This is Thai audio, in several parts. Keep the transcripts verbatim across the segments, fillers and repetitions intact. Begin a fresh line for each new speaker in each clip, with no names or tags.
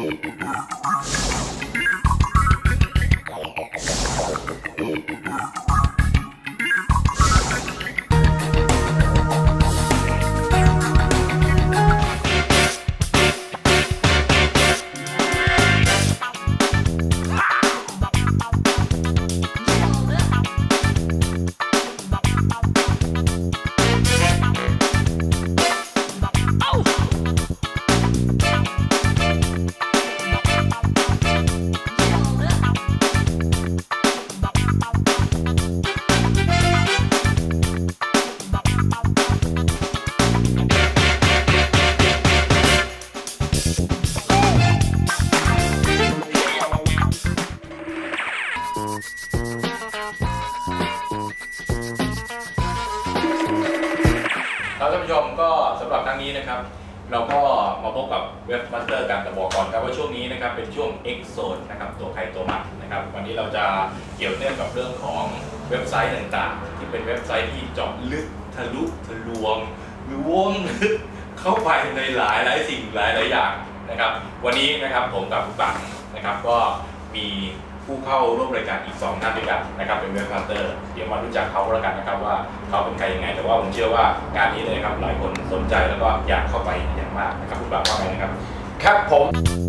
ท่านผู้ชมก็สำหรับครั้งนี้นะครับเราก็มาพบกับเว็บมาสเตอร์กันแต่บอกก่อนครับว่าช่วงนี้นะครับเป็นช่วง X Zone นะครับตัวใครตัวมันนะครับวันนี้เราจะเกี่ยวเนื่องกับเรื่องของเว็บไซต์ต่างๆที่เป็นเว็บไซต์ที่เจาะลึกทะลุทะลวงล้วงลึกเข้าไปในหลายหลายสิ่งหลายหลายอย่างนะครับวันนี้นะครับผมกับผู้ปังนะครับก็มีผู้เข้าร่วมรายการอีกสองท่านด้วยกันนะครับเป็นเว็บมาสเตอร์เดี๋ยวมารู้จักเขาแล้วกันนะครับว่าเขาเป็นใครยังไงแต่ว่าผมเชื่อว่างานนี้เลยครับหลายคนสนใจแล้วก็อยากเข้าไปอย่างมากนะครับผู้ปังว่าไงนะครับ
ครับผม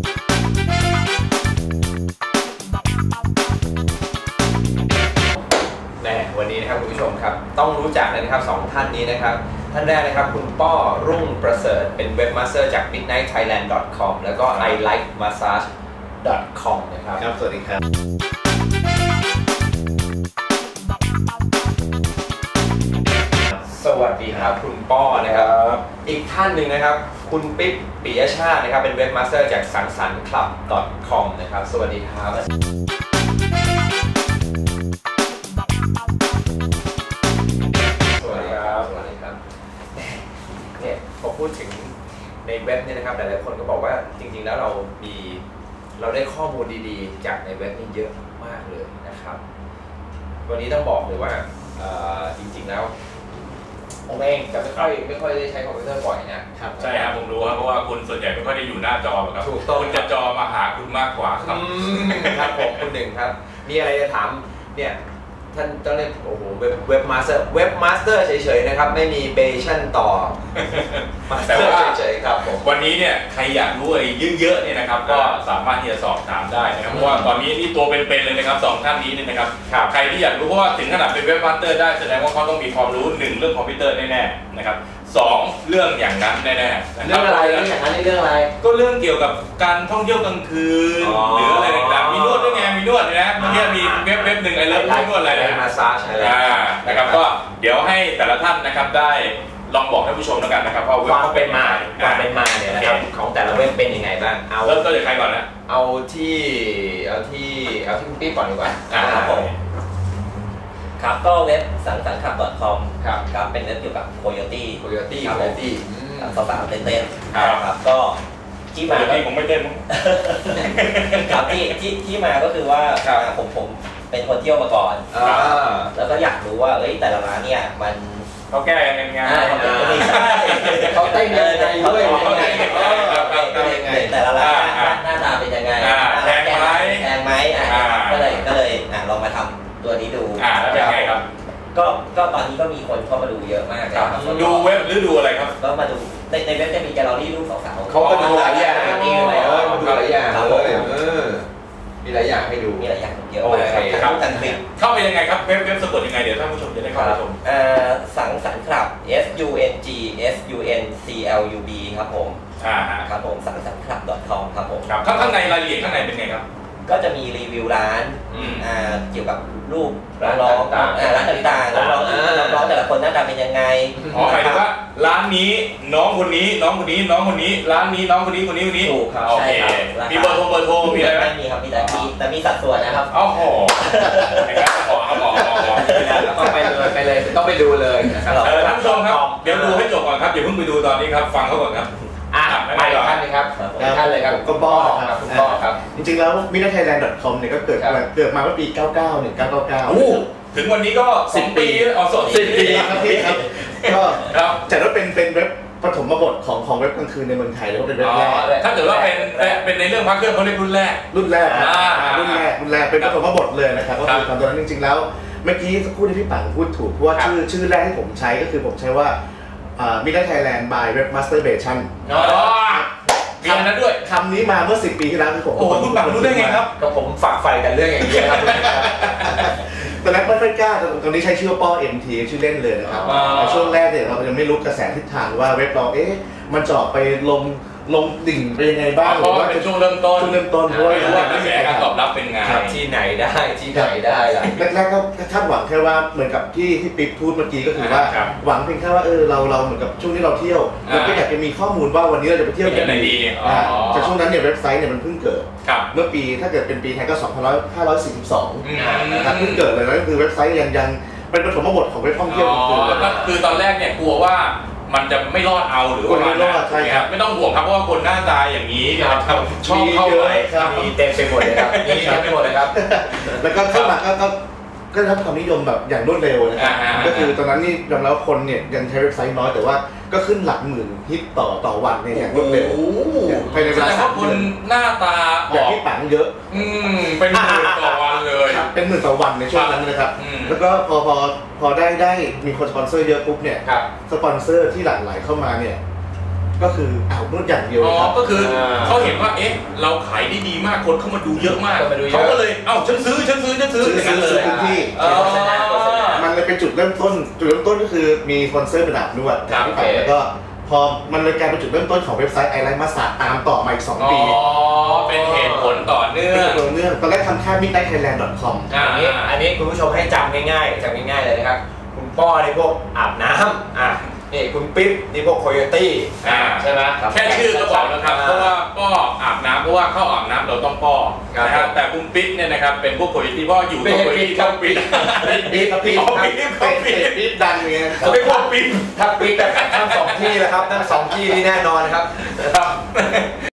แน่วันนี้นะครับคุณผู้ชมครับต้องรู้จักเลยนะครับสองท่านนี้นะครับท่านแรกนะครับคุณป้อรุ่งประเสริฐเป็นเว็บมาสเตอร์จาก มิดไนท์ไทยแลนด์ ดอท คอม แล้วก็ ไอ ไลค์ มาสซาจ ดอท คอม นะครับ
ครับสวัสดีครับ
สวัสดีครับคุณป้อนะครับอีกท่านหนึ่งนะครับคุณปิ๊บปิยชาตินะครับเป็นเว็บมาสเตอร์จากสังสรรค์คลับ ดอท คอม นะครับสวัสดีครับสวัสดีครับสวัสดีครับเนี่ยพอพูดถึงในเว็บเนี่ยนะครับหลายๆคนก็บอกว่าจริงๆแล้วเรามีเราได้ข้อมูลดีๆจากในเว็บนี่เยอะมากเลยนะครับวันนี้ต้องบอกเลยว่าจริงๆแล้วผมเองจะไม่ค่อยไม่ค่อยได้ใช้คอมพิวเตอร์บ่อยนะครับ
ใช่ครับผมรู้ครับเพราะว่าคุณส่วนใหญ่ไม่ค่อยได้อยู่หน้าจอครับ
ถูกต้อง
คุณจะจอมาหาคุณมากกว่าครับ
ครับผมคุณหนึ่งครับมีอะไรจะถามเนี่ยท่านต้องเรียกโอ้โหเว็บเว็บมาสเตอร์เว็บมาสเตอร์เฉยๆนะครับไม่มีเบชั่นต่อ
แต่ว่า
เฉยๆครับผม
วันนี้เนี่ยใครอยากรู้อะไรเยอะๆเนี่ยนะครับก็สามารถที่จะสอบถามได้นะครับเพราะว่าตอนนี้นี่ตัวเป็นๆเลยนะครับสองท่านนี้เนี่ยนะครับใครที่อยากรู้เพราะว่าถึงขนาดเป็นเว็บมาสเตอร์ได้แสดงว่าเขาต้องมีความรู้หนึ่งเรื่องคอมพิวเตอร์แน่ๆนะครับสองเรื่องอย่างนั้นแน่ๆ
เรื่องอะไรเรื่องอย่างนั้นเรื่องอะไร
ก็เรื่องเกี่ยวกับการท่องเที่ยวกลางคืนหรืออะไรต่างๆมีนวดด้วยไงมีนวดนะเมื่อกี้มีเว็บเว็บหนึ่งไอ้เลิฟนวดอะไรนะ
มาซาจอะไร
นะครับก็เดี๋ยวให้แต่ละท่านนะครับได้ลองบอกให้ผู้ชมแล้วกันนะครับว่าเว็บ
เขาเป็นมาความเป็นมาเนี่ยนะครับของแต่ละเว็บเป็นยังไงบ้าง
เอาเริ่มต้นจากใครก่อนนะ
เอาที่เอาที่เอาที่คุณปิ๊บก่อนดีกว่า
ครับผมครับก็เว็บสังสรรค์คลับ ดอท คอม
ครับ
ครับเป็นเว็บเกี่ยวกับโคโยตี้
โคโยตี้โคโยตี้
สาวๆเต้นๆครับก็ที่มา
ที่ผมไม่เต้น
ครับที่ที่ที่มาก็คือว่าผมผมเป็นคนเที่ยวมาก่อนแล้วก็อยากรู้ว่าเอ้ยแต่ละร้านเนี่ยมัน
เขาแก้ยังไงไง
เขาเต้นยังไงด้วย
แต่ละร้านหน้าตาเป็นยังไง
แพงไหม
แพงไหมก็เลยก็เลยลองมาทำตัวนี้ดู
แล้วเป็นไงครับ
ก็ก็ตอนนี้ก็มีคนเข้ามาดูเยอะมากเลยครับ
ดูเว็บหรือดูอะไรครับ
ก็มาดูในในเว็บจะมีแกลเลอรี่รูปสาวๆ
เขาก็ดูหลายอย่างมีหลายอย่างเลยมีหลายอย่างให้ดู
มีหลายอย่างเยอะมากครับกันติด
เข้าไปยังไงครับเว็บเว็บสะกดยังไงเดี๋ยวท่านผู้ชมจะได้เข้าไปชม
สังสรรค์คลับ S U N G S U N C L U B ครับผมครับผมสังสรรค์คลับ ดอท คอม ครับผม
ครับข้างในรายละเอียดข้างในเป็นไงครับ
ก็จะมีรีวิวร้านเกี่ยวกับรูปร้องร้านต่างๆร้องร้องแต่ละคนหน้าตาเป็นยังไง
อ๋อหมายถึงว่าร้านนี้น้องคนนี้น้องคนนี้น้องคนนี้ร้านนี้น้องคนนี้คนนี้คนนี้
ถูกครับ
โอเคมีเบอร์โทรเบอร์โทรมีอะไรไหม
มีครับมีแต่มีแต่มีสัดส่วนนะครับ
อ๋อโหนะครับขอครับขอขอ
ต้องไปเลยไปเลยต้องไปดูเลยนะครับ
ท่านผู้ชมครับเดี๋ยวดูให้จบก่อนครับอย่าเพิ่งไปดูตอนนี้ครับฟังเขาก่อนครับ
อ่ะไปท่านเลยครับท่านเลยครับ
ก็ป้อ
ครับคุณป้อครับ
จริงๆแล้ว มิดไนท์ไทยแลนด์ ดอท คอม เนี่ยก็เกิดเกิดมาเมื่อปีเก้าสิบเก้า หนึ่งพันเก้าร้อยเก้าสิบเก้า
โอ้ถึงวันนี้ก็สิบปีอ๋อสิบปี
ครับพี่ครับก็จัดว่าเป็นเป็นเว็บปฐมบทของของเว็บกลางคืนในเมืองไทยแล้วก็เป็นเว็บแรก
ถ้าเกิดว่าเป็นแต่เป็นในเรื่องพระเครื่องเขาเรียกรุ่นแรก
รุ่นแรกครับ
อ่า
อ่ารุ่นแรกรุ่นแรกเป็นปฐมบทเลยนะครับก็คือ
ครับ
ตอนนั้นจริงๆแล้วเมื่อกี้สักครู่ที่พี่ปังพูดถูกเพราะว่า
ครับ
ชื่อชื่อแรกที่ผมใช้ก็คือผมใช้ว่ามิดไทยแลนด์ by Webmasturbation
อ๋อมีอันนั้นด้วย
คำนี้มาเมื่อสิบปีที่แล้วที่ผม
โอ้โหคุณปังรู้ได้ไงครับ
ก็ผมฝากไฟกันเรื่องอย่างนี้ครับ
ตอนแรกไม่ค่อยกล้าแต่ตอนนี้ใช้ชื่อว่าป้อ เอ็ม ที ชื่อเล่นเลยนะครับ
อ๋อ
แต่ช่วงแรกเนี่ยเรายังไม่รู้กระแสทิศทางว่าเว็บเราเอ๊ะมันจะออกไปลงลงดิ่งไปยังไงบ้าง
เพราะว่าเป็นช่วงเริ่มต้น
ช่วงเริ่มต้นเพราะว่า
ไม่รู้ว่ากระแสการตอบรับเป็นไง
ที่ไหนได้ที่ไหนได้ล่ะ
แรกๆก็คาดหวังแค่ว่าเหมือนกับที่ที่ปิ๊บพูดเมื่อกี้ก็คือว่า
ครับ
หวังเพียงแค่ว่าเออเราเราเหมือนกับช่วงที่เราเที่ยว
อ่า
เราก็อยากจะมีข้อมูลว่าวันนี้เราจะไปเที่ยว
ไปเที่ยวไหนดีอ๋ออ่
าแต่ช่วงนั้นเนี่ยเว็บไซต์เนี่ยมันเพิ่งเกิด
ครับ
เมื่อปีถ้าเกิดเป็นปีไทยก็สองพันห้าร้อยสี่สิบสอง
อืม
นะครับเพิ่งเกิดเลยนะก็คือเว็บไซต์ยังยังเป็นปฐมบทของเว็บท่องเที่ยว
อ๋
คือ
อก็คือตอนแรกเนี่ยกลัวว่ามันจะไม่รอดเอาหรือว่า
ไม่รอดใช่ครับ
ไม่ต้องห่วงครับเพราะว่าคนหน้าตาอย่างนี้เนี่ย
ครับ
ชอบเข้าไป
ครับ
มีเต็มไปหมดเลยครับมีเต็มไปหมดเลยครับ
แล้วก็เข้ามาก็ก็ก็ได้รับความนิยมแบบอย่างรวดเร็วนะครับ
อ่าๆๆ
ก็คือตอนนั้นนี่ยอมรับว่าคนเนี่ยยังใช้เว็บไซต์น้อยแต่ว่าก็ขึ้นหลักหมื่นฮิตต่อต่อวันเนี่ยอย่างรวดเร็ว
โอ้โห
ภายในเว
แสด
ลาง
ว่า
สาม
ค
เดื
น
อน
หน้าตาอ
อย่าง
อก
ที่ปังเยอะ
อืมเป็นหมื่นต่อวันเลย
เป็นหมื่นต่อวันในช่วงนั้นนะครับ
อืม
แล้วก็พอพอพอได้ได้มีคนสปอนเซอร์เยอะปุ๊บเนี่ย
ครับ
สปอนเซอร์ที่หลั่งไหลเข้ามาเนี่ยก็คืออ้าวนวดอย่างเดียว
อ๋อ
ครับ
ก็คือเขาเห็นว่าเอ๊ะเราขายได้ดีมากคนเข้ามาดูเยอะมาก
เข้ามาดูเยอะ
เขาก็เลยเอ้าฉันซื้อฉันซื้อฉันซื้ออย่างนั้นเลย
พื้นที่
อ๋อ
มันเลยเป็นจุดเริ่มต้น จุดเริ่มต้นก็คือมีสปอนเซอร์เป็นอาบนวด
ครับ
ที่ไปแล้วก็พอมันเลยกลายเป็นจุดเริ่มต้นของเว็บไซต์ไอไลน์มาสาตามต่อมาอีกสอง
อ๋อ
ปี
เป็นเหตุผลต่อเนื่อ
เรื่อง
ง
ต่อเนื่องตอนแรกทำแค่ มิดไนท์ไทยแลนด์ ดอท คอม
อ่า
อันนี้อันนี้คุณผู้ชมให้จำง่ายๆจำง่ายๆเลยนะครับ คุณป้อในพวกอาบน้ำอ่ะนี่คุณปิ๊บนี่พวกโคโยตี้
อ่า
ใช่ไหม
แค่ชื่อก็บอกแล้วครับ เพราะว่าป้ออาบน้ำเพราะว่าเข้าอาบน้ำเราต้องป้อ
ครับ
นะครับแต่คุณปิ๊ดเนี่ยนะครับเป็นพวกโคโยตี้เพราะอยู่กับโคโยตี้ต้องปิ๊ด
ปี๊บปี๊บ
อ๋อปี๊บ
เป็ดเป็ดปี๊บดังเงี้ย
เขาเรียกว่าปิ๊ด
ถ้าปิ๊บแต่ทั้งสองที่แล้วครับทั้งสองที่นี่แน่นอนครับ
ครับ